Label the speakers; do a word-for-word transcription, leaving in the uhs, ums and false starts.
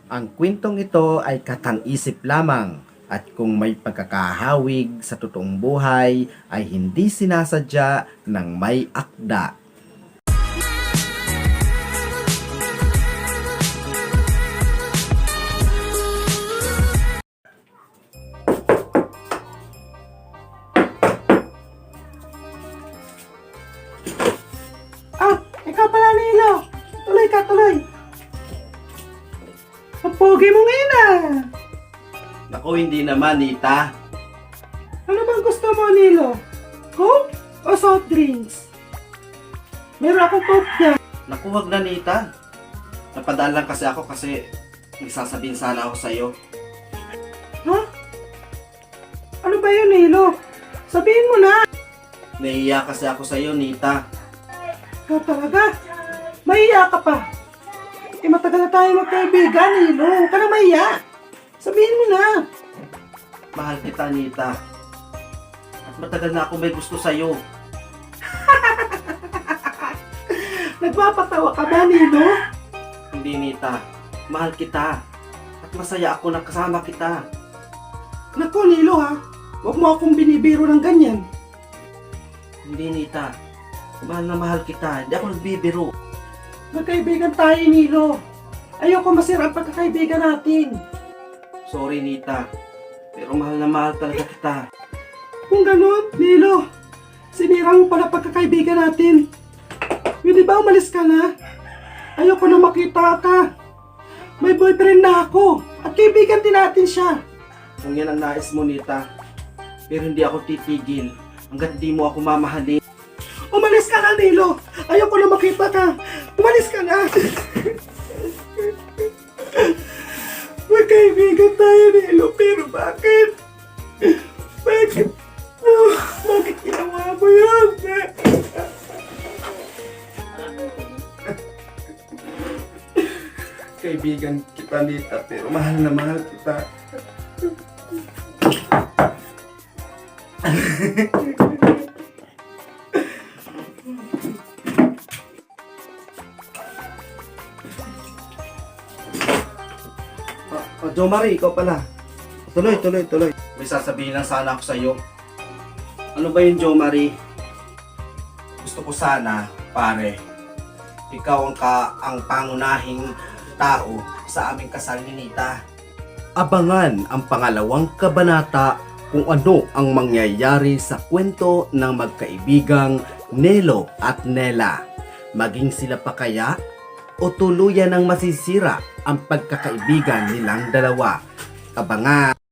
Speaker 1: Ang kwentong ito ay katang-isip lamang at kung may pagkakahawig sa totoong buhay ay hindi sinasadya ng may akda.
Speaker 2: Ah, ikaw pala, Nilo. Tuloy ka, tuloy. Ang pogi mo ngayon ah.
Speaker 1: Naku, hindi naman, Nita.
Speaker 2: Ano bang gusto mo, Nilo? Coke o soft drinks? Meron akong Coke dyan.
Speaker 1: Naku, wag na, Nita. Napadaan lang kasi ako kasi may sasabihin sana ako sa'yo.
Speaker 2: Ha? Ano ba yun, Nilo? Sabihin mo na.
Speaker 1: Nahiya kasi ako sa'yo, Nita.
Speaker 2: Ikaw talaga? Mahiya ka pa. Eh, matagal na tayo magkaibigan, Nilo. Huwag ka na mahiya. Sabihin mo na.
Speaker 1: Mahal kita, Nita. At matagal na ako may gusto sa'yo.
Speaker 2: Nagpapatawa ka ba, Nilo?
Speaker 1: Hindi, Nita. Mahal kita. At masaya ako na kasama kita.
Speaker 2: Naku, Nilo ha. Huwag mo akong binibiro ng ganyan.
Speaker 1: Hindi, Nita. Mahal na mahal kita. Hindi ako nagbibiro.
Speaker 2: Magkaibigan tayo, Nilo. Ayoko masira ang pagkakaibigan natin.
Speaker 1: Sorry, Nita. Pero mahal na mahal talaga kita.
Speaker 2: Kung ganun, Nilo, sinira mo pala pagkakaibigan natin. Pwede ba umalis ka na? Ayoko na makita ka. May boyfriend na ako. At kaibigan din natin siya.
Speaker 1: Kung yan ang nais mo, Nita. Pero hindi ako titigil hanggat di mo ako mamahalin.
Speaker 2: Umalis ka na, Nilo. Ayoko na makita ka. Umalis ka na. Magkaibigan tayo, Nilo. Pero bakit? Bakit? Oh, bakit ginawa mo yun?
Speaker 1: Kaibigan kita, Nita. Pero mahal na mahal kita. Oh, Jo Marie, ikaw pala. Tuloy, tuloy, tuloy. May sasabihin lang sana ako sa'yo. Ano ba yun, Jo Marie? Gusto ko sana, pare, ikaw ang, ka, ang pangunahing tao sa aming kasal ni Nita. Abangan ang pangalawang kabanata kung ano ang mangyayari sa kwento ng magkaibigang Nelo at Nela. Maging sila pa kaya o tuluyan ng masisira ang pagkakaibigan nilang dalawa. Abangan!